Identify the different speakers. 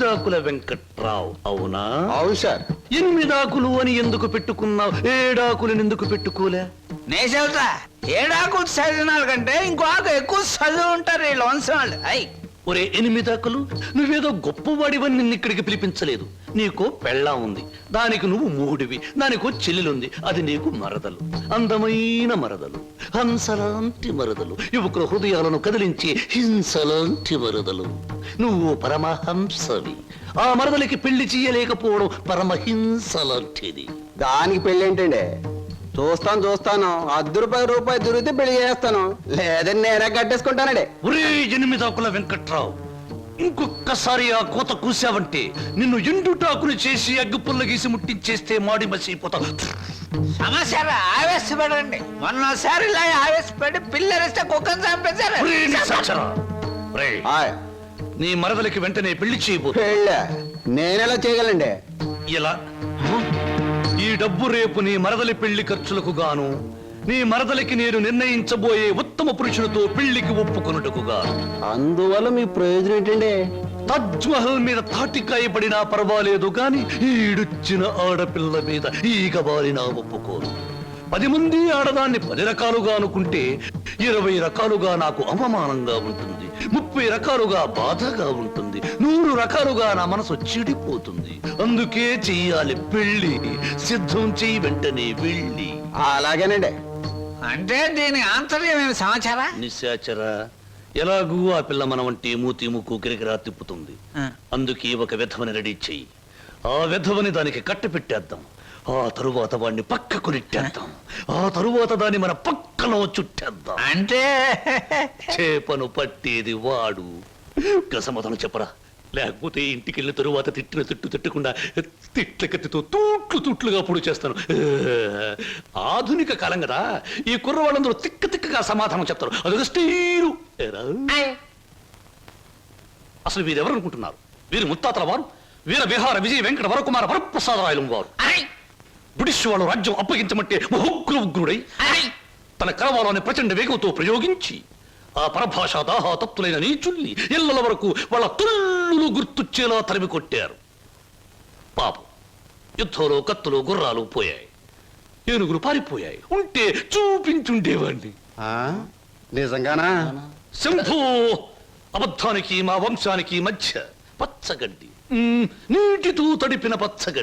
Speaker 1: ఎనిమిదాకుల వెంకట్రావు అవునా?
Speaker 2: అవును సార్.
Speaker 1: ఎనిమిదాకులు అని ఎందుకు పెట్టుకున్నావు? ఏడాకులను ఎందుకు పెట్టుకోలే?
Speaker 3: నే చెబుతా, ఏడాకులు చదివిన కంటే ఇంకో ఆకు ఎక్కువ చదువు ఉంటారు ఈ వంశం వాళ్ళు. అయ్యి
Speaker 1: ఒరే ఎనిమిదాకులు, నువ్వేదో గొప్పవాడివని నిన్ను ఇక్కడికి పిలిపించలేదు. నీకో పెళ్ళాం ఉంది, దానికి నువ్వు మూడివి, దానికో చెల్లెలుంది, అది నీకు మరదలు, అందమైన మరదలు, హంసలాంటి మరదలు, యువకుల హృదయాలను కదిలించి హింసలాంటి మరదలు. నువ్వు పరమహంసవి. ఆ మరదలికి పెళ్లి చేయలేకపోవడం పరమహింస లాంటిది.
Speaker 2: దానికి పెళ్ళి ఏంటండి? చూస్తాను ₹10 దొరికితే పెళ్లి చేస్తాను, లేదని నేనే కట్టేసుకుంటానండి.
Speaker 1: ఒరే ఎనిమిదాకుల వెంకట్రావు, ఇంకొక్కసారి ఆ కోత కూసావంటే నిన్ను ఎండుటాకులు చేసి అగ్గిపుల్ల గీసి ముట్టించేస్తే మాడి మసిపోతావు.
Speaker 3: సమస్య ఆవేశపడండి. మొన్నసారి ఇలా ఆవేశపడి పిల్లరిస్తే కుక్కను చంపేశారు.
Speaker 1: ఒరే నిశాచరా, ఒరే, నీ మరదలికి వెంటనే పెళ్లి చేయబోతు.
Speaker 2: పెళ్ళా? నేనెలా చేయగలండి?
Speaker 1: ఇలా ఈ డబ్బు రేపు నీ మరదలి పెళ్లి ఖర్చులకు గాను, నీ మరదలికి నేను నిర్ణయించబోయే ఉత్తమ పురుషులతో పెళ్లికి ఒప్పుకొనుటకు గాను.
Speaker 2: అందువల్ల మీ ప్రయోజనం ఏంటండి?
Speaker 1: తాజ్ మహల్ మీద తాటికాయ పడినా పర్వాలేదు గాని ఈడుచ్చిన ఆడపిల్ల మీద ఈగ బారినా ఒప్పుకోను. 10 మంది ఆడదాన్ని 10 రకాలుగా అనుకుంటే 20 రకాలుగా నాకు అవమానంగా ఉంటుంది, 30 రకాలుగా బాధగా ఉంటుంది, 100 రకాలుగా నా మనసు చెడిపోతుంది. అందుకే చెయ్యాలి పెళ్లి. సిద్ధం చెయ్యి వెంటనే వెళ్ళి.
Speaker 2: అలాగేనండి.
Speaker 3: అంటే దీని ఆంతర్యం ఏమి సమాచారా?
Speaker 1: నిశాచరా, ఎలాగూ ఆ పిల్ల మన వంటి మూతి ముక్కు గిరిగిరా తిప్పుతుంది. అందుకే ఒక విధవని రెడీ చెయ్యి. ఆ విధవని దానికి కట్ట పెట్టేద్దాం. ఆ తరువాత వాడిని పక్కకు నెట్టేద్దాం. ఆ తరువాత దాన్ని మన పక్కలో చుట్టేద్దాం.
Speaker 3: అంటే
Speaker 1: చేపను పట్టేది వాడు. గసమతను చెప్పరా, లేకపోతే ఇంటికి వెళ్ళిన తరువాత తిట్టిన తిట్టకుండా తిట్ల కత్తితో తూట్లుగా పొడి చేస్తాను. ఆధునిక కాలం కదా, ఈ కుర్రవాళ్ళందరూ తిక్కగా సమాధానం చెప్తారు. అదొక స్టీలు. అసలు వీరెవరు అనుకుంటున్నారు? వీరు ముత్తాతల వారు, వీర విహార విజయ వెంకట వరకుమార వరప్రసాదరాయలు వారు. బ్రిటిష్ వాళ్ళు రాజ్యం అప్పగించమంటే ఉగ్రుడై తన కరవాలని ప్రచండ వేగంతో ప్రయోగించి ఆ పరభాషా దాహాతత్తులైన నీచుల్ని ఇళ్ల వరకు వాళ్ళ తుల్లులు గుర్తుచ్చేలా తరిమి కొట్టారు. పాపం, యుద్ధంలో కత్తులు గుర్రాలు పోయాయి, ఏనుగులు పారిపోయాయి. ఉంటే చూపించుండేవాణ్ణి.
Speaker 2: నిజంగానా?
Speaker 1: శంభో, అబద్ధానికి మా వంశానికి మధ్య పచ్చగడ్డి, నీటితో తడిపిన పచ్చగడ్డి.